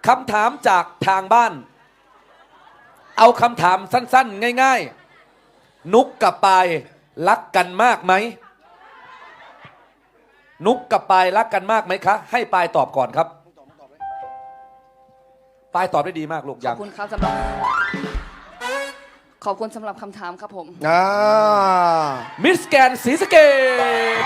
คำถามจากทางบ้าน เอาคำถามสั้นๆง่ายๆนุกกับปายรักกันมากไหมนุกกับปายรักกันมากไหมคะให้ปายตอบก่อนครับปายตอบได้ดีมากลูกขอบคุณครับสำหรับคำถามครับผมมิสแกนศรีสะเกษ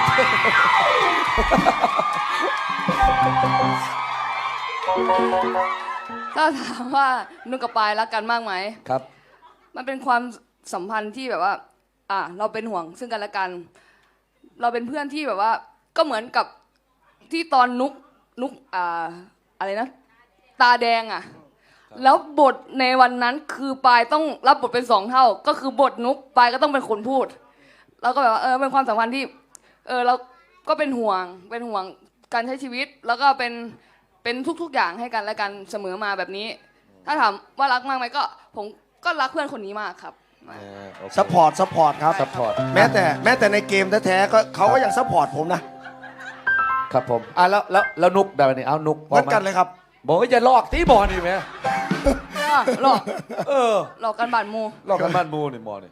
ถ้าถามว่านุกกับปายรักกันมากไหมครับมันเป็นความสัมพันธ์ที่แบบว่าเราเป็นห่วงซึ่งกันและกันเราเป็นเพื่อนที่แบบว่าก็เหมือนกับที่ตอนนุกอะไรนะตาแดงแล้วบทในวันนั้นคือปายต้องรับบทเป็น2 เท่าก็คือบทนุกปายก็ต้องเป็นคนพูดแล้วก็แบบว่าเป็นความสัมพันธ์ที่เราก็เป็นห่วงการใช้ชีวิตแล้วก็เป็นทุกๆอย่างให้กันและกันเสมอมาแบบนี้ถ้าถามว่ารักมากไหมก็ผมก็รักเพื่อนคนนี้มากครับซัพพอร์ตครับซัพพอร์ตแม้แต่ในเกมแท้ๆก็เขาก็ยังซัพพอร์ตผมนะครับผมแล้วนุกแบบนี้เอานุกเหมือนกันเลยครับบอกว่าอย่าลอกตีบอลนี่ไหมหลอกหลอกกันบาดมูลอกกันบ้านมูนี่มอนี่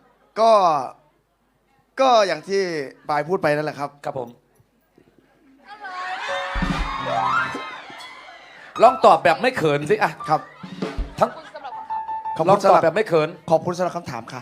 ก็อย่างที่ปายพูดไปนั่นแหละครับครับผมลองตอบแบบไม่เขินสิครับทั้งลองตอบแบบไม่เขินขอบคุณสำหรับคำถามค่ะ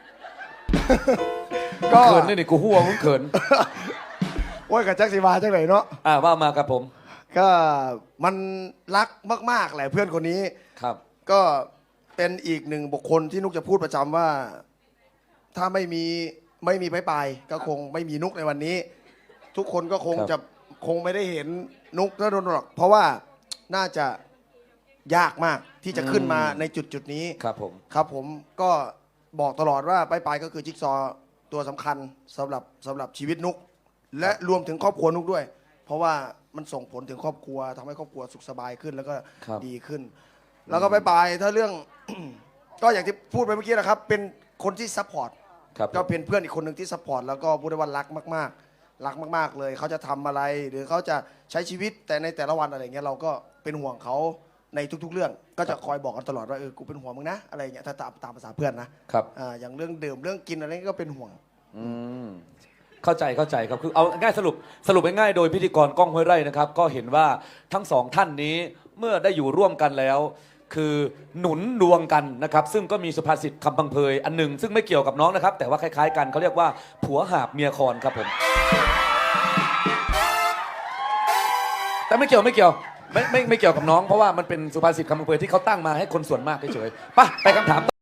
ก็เขินนี่กูหัวมึงเขินโอ้ยกับแจ็คสีวาจังไหนเนาะว่ามาครับผมก็มันรักมากๆแหละเพื่อนคนนี้ครับก็เป็นอีกหนึ่งบุคคลที่นุกจะพูดประจำว่าถ้าไม่มีไปก็คงไม่มีนุกในวันนี้ทุกคนก็คงไม่ได้เห็นนุกแล้วโดนหรอกเพราะว่าน่าจะยากมากที่จะขึ้นมาในจุดนี้ครับผมก็บอกตลอดว่าไปก็คือจิ๊กซอตัวสำคัญสำหรับชีวิตนุกและรวมถึงครอบครัวนุกด้วยเพราะว่ามันส่งผลถึงครอบครัวทำให้ครอบครัวสุขสบายขึ้นแล้วก็ดีขึ้นแล้วก็ไปถ้าเรื่อง ก็อย่างที่พูดไปเมื่อกี้นะครับเป็นคนที่ซัพพอร์ตก็เป็นเพื่อนอีกคนหนึ่งที่ซัพพอร์ตแล้วก็พูดได้ว่ารักมากๆเลยเขาจะทำอะไรหรือเขาจะใช้ชีวิตแต่ในแต่ละวันอะไรเงี้ยเราก็เป็นห่วงเขาในทุกๆเรื่องก็จะคอยบอกกันตลอดว่ากูเป็นห่วงมึงนะอะไรเงี้ยถ้าตามภาษาเพื่อนนะครับอย่างเรื่องดื่มเรื่องกินอะไรก็เป็นห่วงเข้าใจครับคือเอาง่ายสรุปง่ายๆโดยพิธีกรก้องห้วยไร่นะครับก็เห็นว่าทั้งสองท่านนี้เมื่อได้อยู่ร่วมกันแล้วคือหนุนดวงกันนะครับซึ่งก็มีสุภาษิตคำพังเพยอันหนึ่งซึ่งไม่เกี่ยวกับน้องนะครับแต่ว่าคล้ายๆกันเขาเรียกว่าผัวหาบเมียคอนครับผมแต่ไม่เกี่ยวไม่เกี่ยวกับน้องเพราะว่ามันเป็นสุภาษิตคำพังเพยที่เขาตั้งมาให้คนส่วนมากเฉยๆไปคำถาม